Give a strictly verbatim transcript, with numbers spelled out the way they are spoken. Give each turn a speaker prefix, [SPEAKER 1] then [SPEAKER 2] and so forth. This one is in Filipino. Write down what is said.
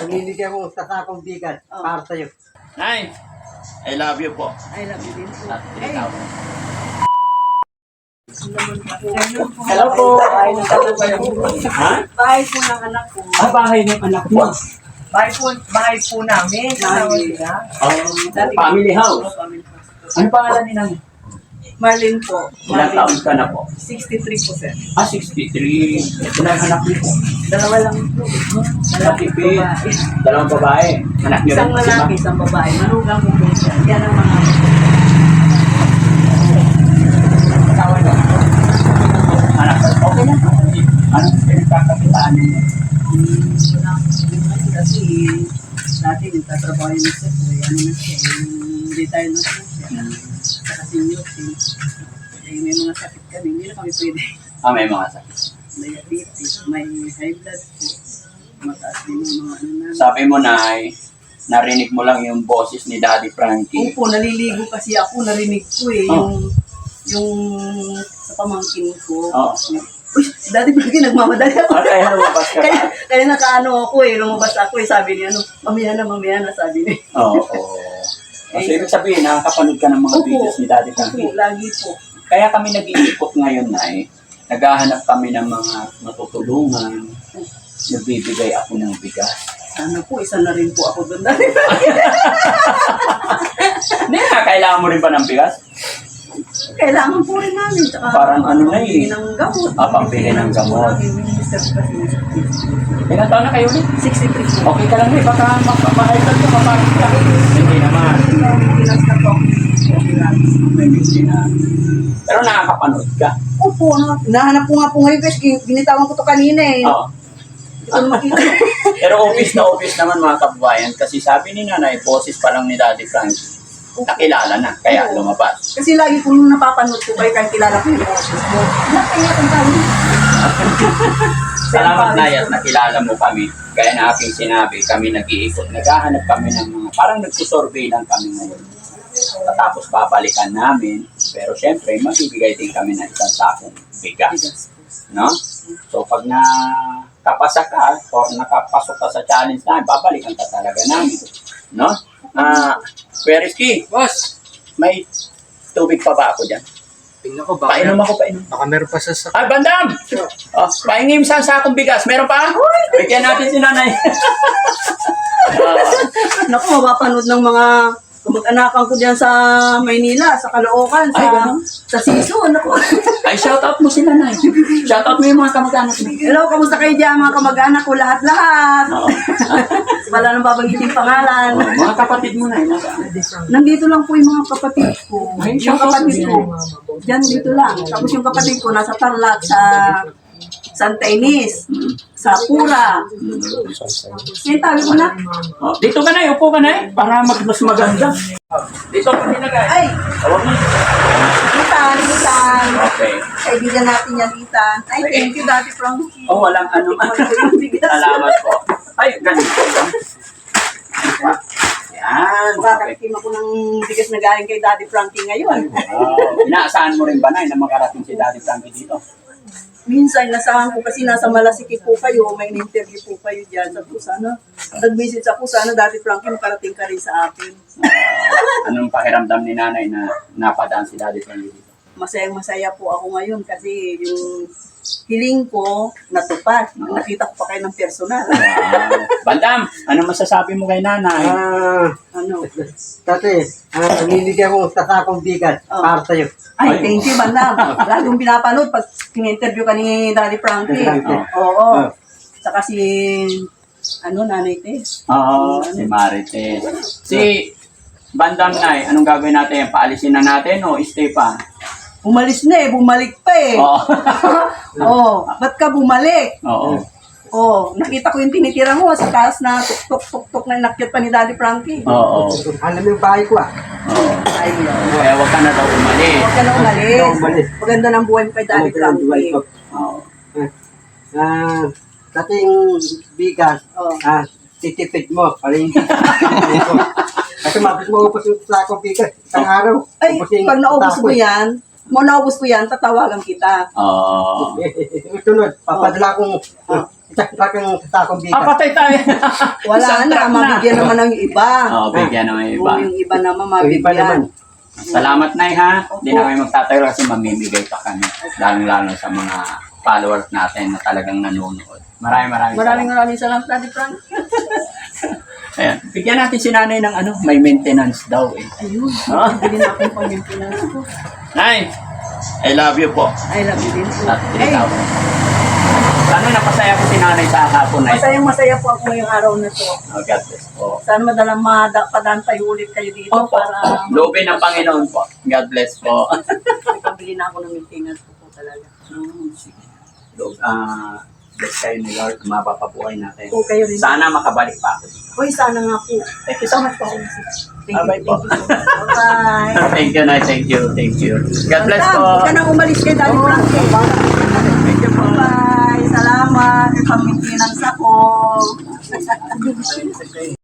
[SPEAKER 1] Namimigay mo sa sakong bigat
[SPEAKER 2] Oh.
[SPEAKER 1] para sa'yo.
[SPEAKER 3] Nay, I love you po.
[SPEAKER 2] I love you din po.
[SPEAKER 3] At
[SPEAKER 2] Ay,
[SPEAKER 3] ikaw.
[SPEAKER 2] hello po. Bahay ng anak ko.
[SPEAKER 3] Ha?
[SPEAKER 2] Bahay po ng anak ko.
[SPEAKER 3] Ah, bahay ng anak mo.
[SPEAKER 2] Bahay po, bahay po namin. Kasama sila.
[SPEAKER 3] Um, family house. Ano pangalan ni Nanay?
[SPEAKER 2] Marlene po.
[SPEAKER 3] Ilang taon ka na po?
[SPEAKER 2] sixty-three po, sir.
[SPEAKER 3] Ah, sixty-three. Ilang anak niyo po?
[SPEAKER 2] Dalawa lang po.
[SPEAKER 3] Matipid. Dalawang babae. Anak niyo
[SPEAKER 2] Isang
[SPEAKER 3] rin po si
[SPEAKER 2] lalaki,
[SPEAKER 3] Ma-
[SPEAKER 2] isang babae. Manugang po po siya. Yan ang mga
[SPEAKER 3] asawa niyo. Anak ko. Okay na. Anong pinagkakakitaan niyo?
[SPEAKER 2] kasi dati nagtatrabaho yung isa po. Ano na siya. Yung retire na po siya. Saka senior siya. Eh, may mga sakit kami. Hindi na kami pwede.
[SPEAKER 3] Ah, may mga sakit.
[SPEAKER 2] Diabetes, may high blood po. Mataas din yung mga ano na.
[SPEAKER 3] Sabi mo, Nay, narinig mo lang yung boses ni Daddy Frankie.
[SPEAKER 2] Opo, naliligo kasi ako, narinig ko eh,
[SPEAKER 3] Oh.
[SPEAKER 2] yung, yung sa pamangkin ko.
[SPEAKER 3] Oh.
[SPEAKER 2] Uy, si Daddy Frankie, nagmamadali ako.
[SPEAKER 3] Ah, kaya lumabas ka
[SPEAKER 2] kaya,
[SPEAKER 3] pa.
[SPEAKER 2] kaya nakaano ako eh, lumabas ako eh, sabi niya, ano, mamaya na, mamaya na, sabi niya.
[SPEAKER 3] Oo. Oh, oh. So, ibig sabihin, nakakapanood ka ng mga
[SPEAKER 2] Opo.
[SPEAKER 3] videos ni Daddy
[SPEAKER 2] Opo,
[SPEAKER 3] Frankie.
[SPEAKER 2] lagi po.
[SPEAKER 3] Kaya kami nag-iikot ngayon, Nay. Naghahanap kami ng mga matutulungan. Nagbibigay ako ng bigas.
[SPEAKER 2] Sana po, isa na rin po ako doon, Daddy.
[SPEAKER 3] Hindi nga, kailangan mo rin ba ng bigas?
[SPEAKER 2] Kailangan po rin namin, tsaka
[SPEAKER 3] Parang ano na
[SPEAKER 2] pambili
[SPEAKER 3] eh.
[SPEAKER 2] ng gamot.
[SPEAKER 3] Ah, pambili ng gamot.
[SPEAKER 2] Minister ko kasi
[SPEAKER 3] Ilan taon na kayo ulit?
[SPEAKER 2] sixty-three po.
[SPEAKER 3] Okay ka lang eh, baka ma-hyper ka, mapagod ka. Hindi naman.
[SPEAKER 2] Pinas na po. Okay lang.
[SPEAKER 3] Hindi na. Pero nakakapanood ka.
[SPEAKER 2] Opo, no? Nahanap ko nga po ngayon kasi ginitawan ko to kanina eh.
[SPEAKER 3] Oo.
[SPEAKER 2] Hindi ko na makita.
[SPEAKER 3] Pero office na office naman mga kababayan kasi sabi ni Nanay, boses pa lang ni Daddy Frankie. Nakilala na, kaya lumabas.
[SPEAKER 2] Kasi lagi ko nung napapanood ko kayo kahit kilala ko yung boses mo. Nakaya kong tawag.
[SPEAKER 3] Salamat na at nakilala mo kami. Gaya na aking sinabi, kami nag-iikot. Naghahanap kami ng mga, parang nagsusurvey lang kami ngayon. Tapos babalikan namin. Pero syempre, magbibigay din kami ng isang sakong bigas. No? So pag nakapasa ka o nakapasok ka sa challenge namin, babalikan ka talaga namin. No? Ah, Kuya Rizky,
[SPEAKER 1] Boss!
[SPEAKER 3] may tubig pa ba ako dyan?
[SPEAKER 1] Tingnan ko baka,
[SPEAKER 3] Painom ako, painom.
[SPEAKER 1] baka meron pa sa sak.
[SPEAKER 3] Ay, Bandam! Oh, pahingin sa sakong bigas. Meron pa? Bigyan natin si Nanay. Ah,
[SPEAKER 2] Naku, mapapanood ng mga kamag-anakan ko dyan sa Maynila, sa Caloocan,
[SPEAKER 3] Ay,
[SPEAKER 2] sa,
[SPEAKER 3] ganun?
[SPEAKER 2] sa Sison. Naku.
[SPEAKER 3] ay, shout out mo si Nanay. Shout out mo yung mga kamag-anak mo.
[SPEAKER 2] Hello, kamusta kayo dyan mga kamag-anak ko lahat-lahat?
[SPEAKER 3] Oo.
[SPEAKER 2] Wala nang babanggitin pangalan.
[SPEAKER 3] Oh, mga kapatid mo na, nasaan?
[SPEAKER 2] Nandito lang po yung mga kapatid ko.
[SPEAKER 3] Ay,
[SPEAKER 2] Yung
[SPEAKER 3] shout out
[SPEAKER 2] kapatid
[SPEAKER 3] mo
[SPEAKER 2] ko. Diyan dito lang. Tapos yung kapatid ko nasa Tarlac, sa Santa Ines, sa Pura. Yung tabi ko na.
[SPEAKER 3] Oh, dito ka na, upo ka na para mag mas maganda. Dito ka nilagay.
[SPEAKER 2] Ay,
[SPEAKER 3] Tawag mo.
[SPEAKER 2] Litan, Litan.
[SPEAKER 3] Okay.
[SPEAKER 2] Kaibigan natin yan, Litan. Ay, thank you, Daddy Frankie.
[SPEAKER 3] Oh, walang ano. Salamat po. Ay, ganito. Yan. Okay.
[SPEAKER 2] Makakatikim ako ng bigas na galing kay Daddy Frankie ngayon.
[SPEAKER 3] Wow. Inaasahan mo rin ba na na makarating si Daddy Frankie dito?
[SPEAKER 2] Minsan, nasahan ko kasi nasa Malasiki po kayo, may interview po kayo dyan. Sabi ko, sana, nag-message ako, sana Daddy Frankie makarating ka rin sa akin.
[SPEAKER 3] Uh, anong pakiramdam ni Nanay na napadaan si Daddy Frankie dito?
[SPEAKER 2] Masayang-masaya po ako ngayon kasi yung hiling ko natupad. Nakita ko pa kayo ng personal.
[SPEAKER 3] Wow. Bandam, ano masasabi mo kay Nanay?
[SPEAKER 1] Ah,
[SPEAKER 2] Ano?
[SPEAKER 1] dati, ah, namimigay mo sa sakong bigat
[SPEAKER 2] Oh.
[SPEAKER 1] para sa'yo.
[SPEAKER 2] Ay, thank you, Bandam. Lagong pinapanood pag in-interview ka ni Daddy Frankie.
[SPEAKER 1] Frankie.
[SPEAKER 2] Oo.
[SPEAKER 1] Oh.
[SPEAKER 2] Saka si, ano, Nanay Tess.
[SPEAKER 3] Oo, si Marites. Si Bandam Nay, anong gagawin natin? Paalisin na natin o stay pa?
[SPEAKER 2] Umalis na eh, bumalik pa eh.
[SPEAKER 3] Oo.
[SPEAKER 2] Oo. Ba't ka bumalik?
[SPEAKER 3] Oo.
[SPEAKER 2] Oo. Nakita ko yung tinitira mo sa taas na tuk-tuk-tuk na inakyat pa ni Daddy Frankie.
[SPEAKER 3] Oo.
[SPEAKER 1] Alam mo yung bahay ko ah.
[SPEAKER 3] Oo.
[SPEAKER 2] Ayun.
[SPEAKER 3] Kaya wag ka na daw umalis.
[SPEAKER 2] Huwag ka na umalis.
[SPEAKER 1] Huwag ka na umalis.
[SPEAKER 2] Maganda ng buhay mo kay Daddy
[SPEAKER 1] Ano ang buhay
[SPEAKER 2] Frankie.
[SPEAKER 1] ko?
[SPEAKER 3] Oo.
[SPEAKER 1] Ah, dating bigas,
[SPEAKER 2] Oo.
[SPEAKER 1] ah, titipid mo, paling kasi mabit mo upos yung sakong bigas, isang araw.
[SPEAKER 2] Ay,
[SPEAKER 1] ubusin
[SPEAKER 2] pag naubos
[SPEAKER 1] sako
[SPEAKER 2] mo
[SPEAKER 1] eh.
[SPEAKER 2] yan, mo naubos ko yan, tatawagan kita.
[SPEAKER 3] Oo.
[SPEAKER 1] Sunod, papadala kong
[SPEAKER 2] Oh.
[SPEAKER 1] Tsaka yung sakong
[SPEAKER 3] Ah,
[SPEAKER 1] bigas.
[SPEAKER 3] patay tayo.
[SPEAKER 2] Wala
[SPEAKER 3] Isang
[SPEAKER 2] na,
[SPEAKER 3] truck
[SPEAKER 2] mabigyan naman ng iba.
[SPEAKER 3] Oo, bigyan naman yung iba.
[SPEAKER 2] Oo, yung iba naman
[SPEAKER 1] Yung iba naman.
[SPEAKER 2] mabigyan.
[SPEAKER 3] Salamat, Nay, ha? Hindi
[SPEAKER 2] Opo.
[SPEAKER 3] na kami magtatayo kasi mamimigay pa kami. Lalong-lalo sa mga followers natin na talagang nanonood. Maraming maraming
[SPEAKER 2] Maraming
[SPEAKER 3] salamat.
[SPEAKER 2] maraming salamat, Daddy Frank.
[SPEAKER 3] Ayan. Bigyan natin si nanay ng ano, may maintenance daw eh.
[SPEAKER 2] Ayun,
[SPEAKER 3] Ah.
[SPEAKER 2] bili na akong pang-maintenance ko.
[SPEAKER 3] Nay, I love you po.
[SPEAKER 2] I love you din po.
[SPEAKER 3] At
[SPEAKER 2] Ay,
[SPEAKER 3] ikaw. Sana napasaya ko si nanay sa hapon na ito.
[SPEAKER 2] masayang masaya po ako ngayong araw na to.
[SPEAKER 3] Oh, God bless po.
[SPEAKER 2] Sana madalang madapadaan tayo ulit kayo dito
[SPEAKER 3] Opo.
[SPEAKER 2] para
[SPEAKER 3] Loobin ng Panginoon po. God bless po.
[SPEAKER 2] pabili na ako ng maintenance ko po talaga.
[SPEAKER 3] Hmm, sige. Loob, ah, bless kayo ni Lord. Mapapabuhay natin.
[SPEAKER 2] Po kayo rin.
[SPEAKER 3] Sana makabalik pa ako.
[SPEAKER 2] Uy, sana nga po. Thank you so much po. Thank you.
[SPEAKER 3] Bye-bye
[SPEAKER 2] Thank
[SPEAKER 3] po.
[SPEAKER 2] you. Bye-bye.
[SPEAKER 3] Thank you, Nay. Thank you. Thank you. God bless po.
[SPEAKER 2] Huwag ka nang umalis kay Daddy Frank.
[SPEAKER 3] Thank you po.
[SPEAKER 2] Bye. Salamat. Ipang-maintenance ako.